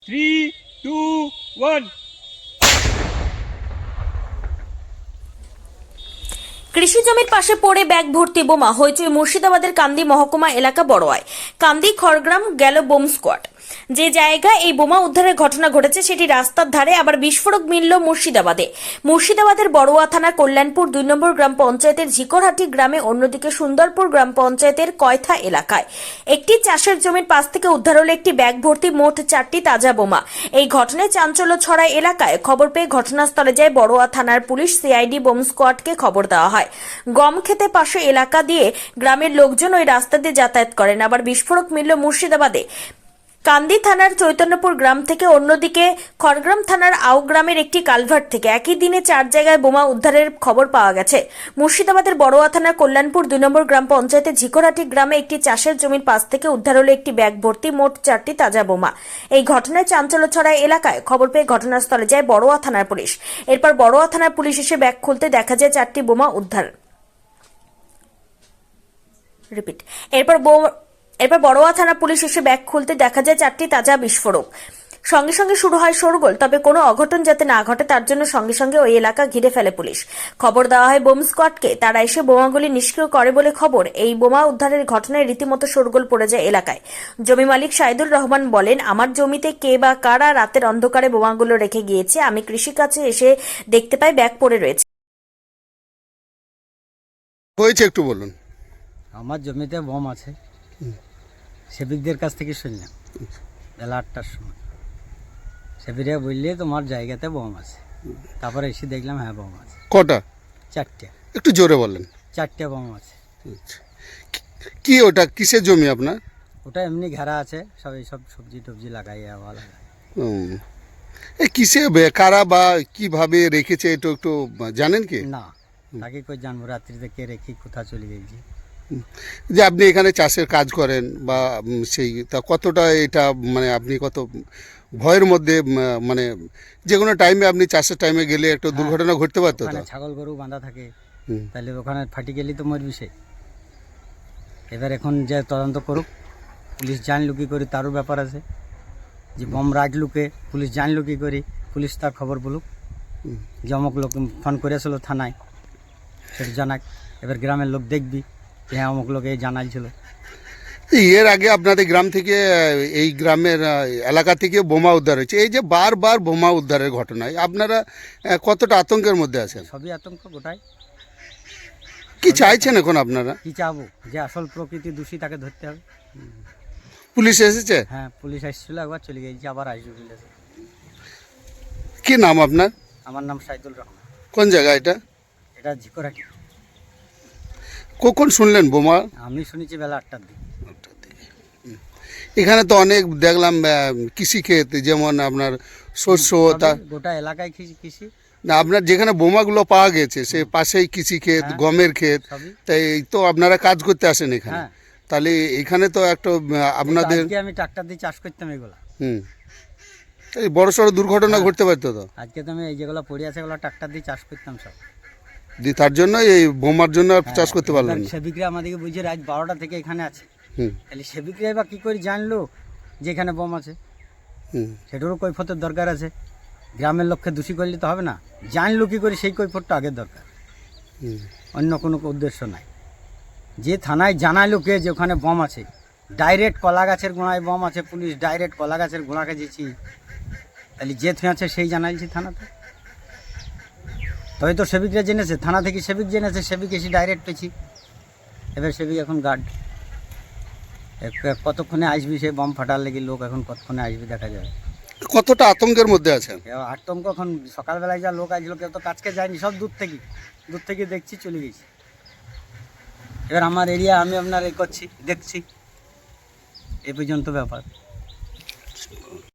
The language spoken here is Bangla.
3, 2, 1. কৃষি জমির পাশে পড়ে ব্যাগ ভর্তি বোমা হয়েছে মুর্শিদাবাদের কান্দি মহকুমা এলাকা বড়োয়ায়। কান্দি খড়গ্রাম গেল বোম স্কোয়াড। যে জায়গায় এই বোমা উদ্ধারের ঘটনা ঘটেছে সেটি রাস্তার ধারে, আবার বিস্ফোরক মিলল মুর্শিদাবাদের বড়োয়া থানার কল্যাণপুর 2 নম্বর গ্রাম পঞ্চায়েতের ঝিকরহাটি গ্রামে, অন্যদিকে সুন্দরপুর গ্রাম পঞ্চায়েতের কয়থা এলাকায় একটি চাষের জমির পাশ থেকে উদ্ধার হলো একটি ব্যাগ ভর্তি মোট 4টি তাজা বোমা। এই ঘটনায় চাঞ্চল্য ছড়ায় এলাকায়। খবর পেয়ে ঘটনাস্থলে যায় বড়োয়া থানার পুলিশ, সিআইডি, বোম স্কোয়াডকে খবর দেওয়া হয়। গম খেতে পাশে এলাকা দিয়ে গ্রামের লোকজন ওই রাস্তা দিয়ে যাতায়াত করেন। আবার বিস্ফোরক মিলল মুর্শিদাবাদে কান্দি থানার চৈতন্যপুর গ্রাম থেকে, অন্যদিকে খড়গ্রাম থানার আউ গ্রামের একটি কালভার্ট থেকে। একই দিনে 4 জায়গায় বোমা উদ্ধারের খবর পাওয়া গেছে। মুর্শিদাবাদের বড়োয়া থানার কল্যাণপুর 2 নম্বর গ্রাম পঞ্চায়েতের ঝিকরহাটি গ্রামে একটি চাষের জমির পাশ থেকে উদ্ধার হলো একটি ব্যাগ ভর্তি মোট 4টি তাজা বোমা। এই ঘটনায় চাঞ্চল্য ছড়ায় এলাকায়। খবর পেয়ে ঘটনাস্থলে যায় বড়োয়া থানার পুলিশ। এরপর বড়োয়া থানার পুলিশ এসে ব্যাগ খুলতে দেখা যায় 4টি বোমা উদ্ধার। এরপর বড়োয়া থানা পুলিশ এসে ব্যাগ খুলতে দেখা যায় 4টি তাজা বিস্ফোরক। সঙ্গে সঙ্গে শুরু হয় শোরগোল। তবে কোনো অঘটন যাতে না ঘটে তার জন্য সঙ্গে সঙ্গে ওই এলাকা ঘিরে ফেলে পুলিশ। খবর দেওয়া হয় বোম স্কোয়াডকে, তারা এসে বোমাগুলি নিষ্ক্রিয় করে বলে খবর। এই বোমা উদ্ধারের ঘটনায় রীতিমতো শোরগোল পড়ে যায় এলাকায়। জমি মালিক সাইদুর রহমান বলেন, আমার জমিতে কে বা কারা রাতের অন্ধকারে বোমাগুলো রেখে গিয়েছে। আমি কৃষিকাজে এসে দেখতে পাই ব্যাগ পড়ে রয়েছে। হয়েছে একটু বলুন। আমার জমিতে বোম আছে, সেবিকদের কাছ থেকে শুনলাম বেলা 8টার সময়। সেবিকরা বললে তোমার জায়গাতে বোম আছে। তারপরে এসে দেখলাম হ্যাঁ বোম আছে। কটা? 4টে। একটু জোরে বলেন। 4টে বোম আছে। আচ্ছা। কি ওটা কিসের জমি আপনার? ওটা এমনি ঘেরা আছে, সব এইসব সবজি টবজি লাগাই আবার লাগাই। এই কিসে কারা বা কিভাবে রেখেছে এটা একটু জানেন কি? না, তাকে কই জানবো রাত্রিতে কে রেখে কোথা চলে গেছি। যে আপনি এখানে চাষের কাজ করেন বা সেই তা কতটা এটা মানে আপনি কত ভয়ের মধ্যে মানে যে কোনো টাইমে আপনি চাষের টাইমে গেলে একটা দুর্ঘটনা ঘটতে পারতো তো? ওখানে ছাগল গরু বাঁধা থাকে, হুম। তাহলে ওখানে ফাটি গেলেই তো মরবি সে। এবার এখন যে তদন্ত করুক, পুলিশ জানলো কি করে তারও ব্যাপার আছে। যে বোম রাখলু কে, পুলিশ জানলো কি করে, পুলিশ তার খবর বলুক। যে অমুক লোক ফোন করেছিল থানায়, সেটা জানাক। এবার গ্রামের লোক দেখবি যে হ্যাঁ অমুক লোক এই জানাইছিল। এর আগে আপনাদের গ্রাম থেকে এই গ্রামের এলাকা থেকে বোমা উদ্ধার হয়েছে। এই যে বারবার বোমা উদ্ধারের ঘটনায় আপনারা কতটা আতঙ্কের মধ্যে আছেন? সবই আতঙ্ক গোটায়। কি চাইছেন এখন আপনারা? কি চাবো, যে আসল প্রকৃতি দোষী তাকে ধরতে হবে। পুলিশ এসেছে? হ্যাঁ, পুলিশ আসছিল, একবার চলে গেছে, আবার আসবে বলেছে। কি নাম আপনার? আমার নাম সাইদুল রহমান। কোন জায়গা এটা? এটা ঝিকরহাটি। কখন শুনলেন বোমা? আমি শুনেছি বেলা 8টার দিকে। এখানে তো অনেক দেখলাম কৃষিক্ষেত, যেমন আপনার শস্য, তা গোটা এলাকায় কৃষি। না আপনার যেখানে বোমাগুলো পাওয়া গেছে সে পাশেই কৃষিক্ষেত, হ্যাঁ, গমের ক্ষেত, সবই। তাই তো আপনারা কাজ করতে আসেন এখানে। হ্যাঁ, তাহলে এখানে তো একটা আপনাদের আজকে আমি ট্রাক্টর দিয়ে চাষ করতাম এগুলা। এই বড় সড় দুর্ঘটনা হ্যাঁ। ঘটতে পারতো তো। আজকে তো আমি এই যেগুলো পড়ে আছে এগুলো ট্রাক্টর দিয়ে চাষ করতাম সব। তার জন্য এই বোমার জন্য আর চাষ করতে পারলেন না। সেবিকরা আমাদেরকে বুঝে রাত 12টা থেকে এখানে আছে। হুম তাহলে সেবিকরা এবার কী করে জানলো যে এখানে বোম আছে? হুম সেটারও কৈফতের দরকার আছে। গ্রামের লোককে দোষী করলে তো হবে না। জানলো কী করে সেই কৈফতটা আগের দরকার, হুম। অন্য কোনো উদ্দেশ্য নাই। যে থানায় জানালো কে যে ওখানে বোম আছে, ডাইরেক্ট কলা গাছের গোড়ায় বোম আছে, পুলিশ ডাইরেক্ট কলা গাছের গোড়াকে যেছি, তাহলে যে আছে সেই জানাইছি থানাতে। তবে তো সেবিকরা জেনেছে, থানা থেকে সেবিক জেনেছে, সেবিক এসে ডাইরেক্ট পেয়েছি। এবার সেবিক এখন গার্ড, কতক্ষণে আসবি সে বোম ফাটার লেগে লোক এখন কতক্ষণে আসবি দেখা যাবে। কতটা আতঙ্কের মধ্যে আছেন? আতঙ্ক এখন সকালবেলায় যা লোক আসলো, কেউ তো কাজকে যায়নি, সব দূর থেকে দেখছি চলে গেছি। এবার আমার এরিয়া আমি আপনার এই করছি, দেখছি, এই পর্যন্ত ব্যাপার।